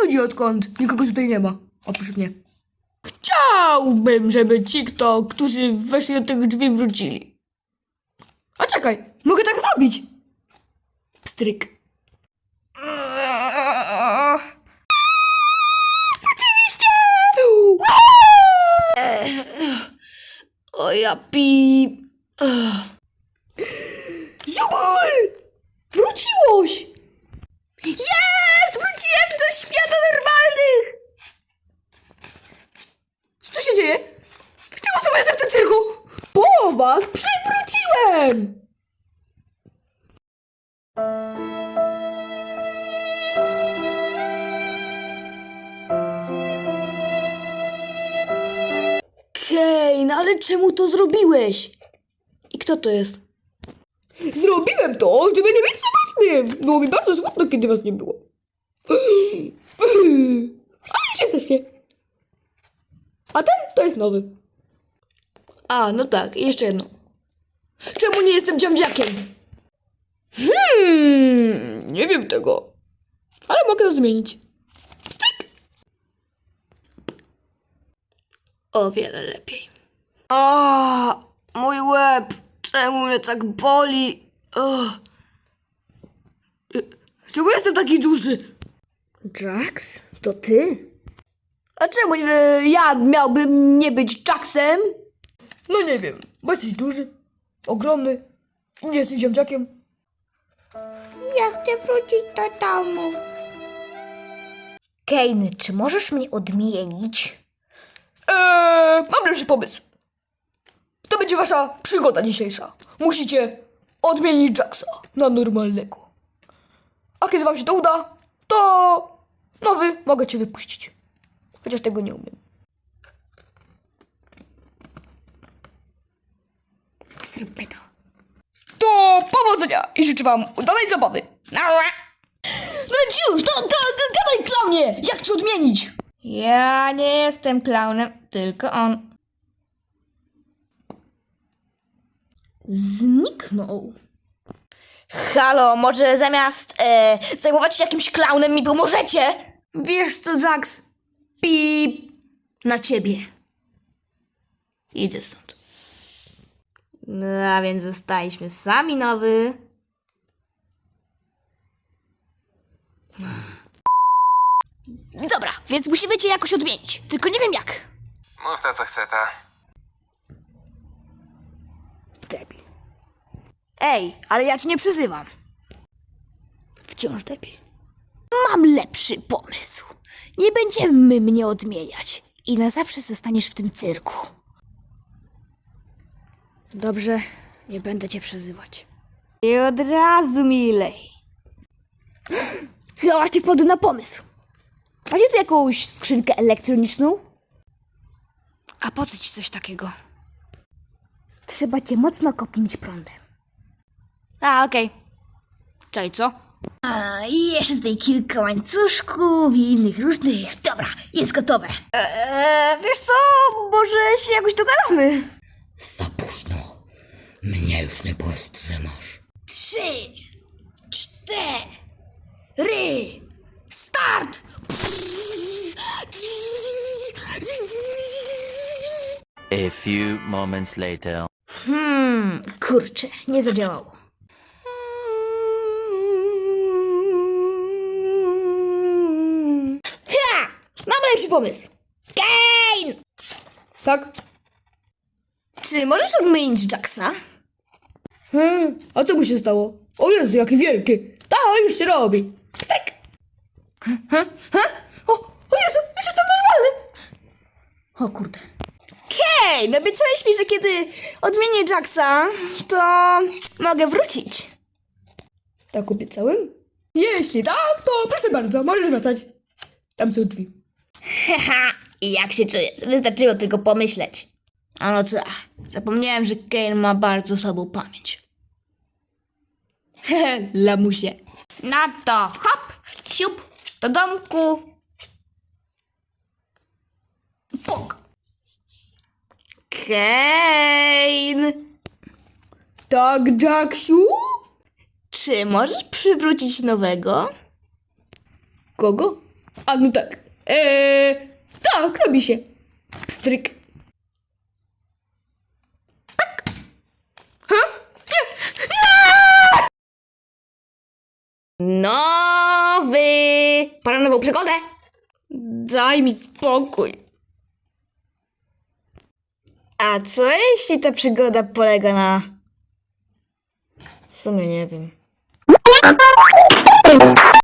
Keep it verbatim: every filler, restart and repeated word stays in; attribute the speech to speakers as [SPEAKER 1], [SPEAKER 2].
[SPEAKER 1] ludzi odkąd nikogo tutaj nie ma, oprócz mnie. Chciałbym, żeby ci, kto, którzy weszli do tych drzwi, wrócili. A czekaj, mogę tak zrobić. Pstryk. Wróciliście! O ja pi... Zubul! Wróciłoś! Jest! Wróciłem do świata normalnych! Co tu się dzieje? Czemu tu jestem w tym cyrku? Po was przywróciłem! Kane, ale czemu to zrobiłeś? I kto to jest? Zrobiłem to, żeby nie być samotnym. Było mi bardzo smutno, kiedy was nie było. Ale już jesteście. A ten to jest nowy. A, no tak, i jeszcze jedno. Czemu nie jestem dziamdziakiem? Hmm, nie wiem tego. Ale mogę to zmienić. Pstyk. O wiele lepiej. A, mój łeb. Czemu mnie tak boli? Oh. Czemu jestem taki duży?
[SPEAKER 2] Jax? To ty?
[SPEAKER 1] A czemu e, ja miałbym nie być Jacksem? No nie wiem, bo jesteś duży, ogromny i nie jesteś ziomciakiem.
[SPEAKER 2] Ja chcę wrócić do domu. Kane, czy możesz mnie odmienić?
[SPEAKER 1] Eee, mam lepszy pomysł. To będzie wasza przygoda dzisiejsza. Musicie odmienić Jacksa na normalnego. A kiedy wam się to uda, to nowy mogę cię wypuścić. Chociaż tego nie umiem.
[SPEAKER 2] Zróbmy to.
[SPEAKER 1] To powodzenia i życzę wam udanej zabawy. No więc już, to, to, gadaj klaunie, jak cię odmienić?
[SPEAKER 2] Ja nie jestem klaunem, tylko on.
[SPEAKER 1] Zniknął.
[SPEAKER 2] Halo, może zamiast e, zajmować się jakimś klaunem mi pomożecie?
[SPEAKER 1] Wiesz co, Jax? Pip na ciebie. Idę stąd.
[SPEAKER 2] No a więc zostaliśmy sami nowy. Dobra, więc musimy cię jakoś odmienić. Tylko nie wiem jak.
[SPEAKER 3] Mów to, co chce ta.
[SPEAKER 1] Debil. Ej, ale ja cię nie przyzywam. Wciąż debil.
[SPEAKER 2] Mam lepszy pomysł. Nie będziemy mnie odmieniać. I na zawsze zostaniesz w tym cyrku.
[SPEAKER 1] Dobrze, nie będę cię przezywać.
[SPEAKER 2] I od razu milej. Chyba właśnie wpadł na pomysł. Macie tu jakąś skrzynkę elektroniczną?
[SPEAKER 1] A po co ci coś takiego?
[SPEAKER 2] Trzeba cię mocno kopnąć prądem. A, okej. Okay.
[SPEAKER 1] Czaj, co?
[SPEAKER 2] A, i jeszcze tutaj kilka łańcuszków i innych różnych. Dobra, jest gotowe.
[SPEAKER 1] Eee, wiesz co, może się jakoś dogadamy.
[SPEAKER 4] Za późno. Mnie już nie powstrzymasz.
[SPEAKER 2] Trzy, cztery, start!
[SPEAKER 5] A few moments later.
[SPEAKER 2] Hmm, kurczę, nie zadziałało. Ha! Mam lepszy pomysł. Kane!
[SPEAKER 1] Tak?
[SPEAKER 2] Czy możesz odmienić Jacksa?
[SPEAKER 1] Hmm, a co mu się stało? O Jezu, jaki wielki. Ta, już się robi.
[SPEAKER 2] Pstek!
[SPEAKER 1] O, o Jezu, już jestem normalny.
[SPEAKER 2] O kurde.
[SPEAKER 1] Hej, obiecałeś mi, że kiedy odmienię Jacksa, to mogę wrócić. Tak obiecałem? Jeśli tak, to proszę bardzo, możesz wracać. Tam są drzwi.
[SPEAKER 2] Haha, i jak się czujesz? Wystarczyło tylko pomyśleć.
[SPEAKER 1] A no co, zapomniałem, że Kane ma bardzo słabą pamięć. Hehe, lamusie.
[SPEAKER 2] No to hop, siup, do domku. Puk.
[SPEAKER 1] Kane! Tak, Jacksu?
[SPEAKER 2] Czy możesz przywrócić nowego?
[SPEAKER 1] Kogo? A no tak. Eee, tak, robi się. Pstryk. Tak. Ha? Nie!
[SPEAKER 2] Nowy! Pora na nową przygodę.
[SPEAKER 1] Daj mi spokój.
[SPEAKER 2] A co jeśli ta przygoda polega na... W sumie nie wiem.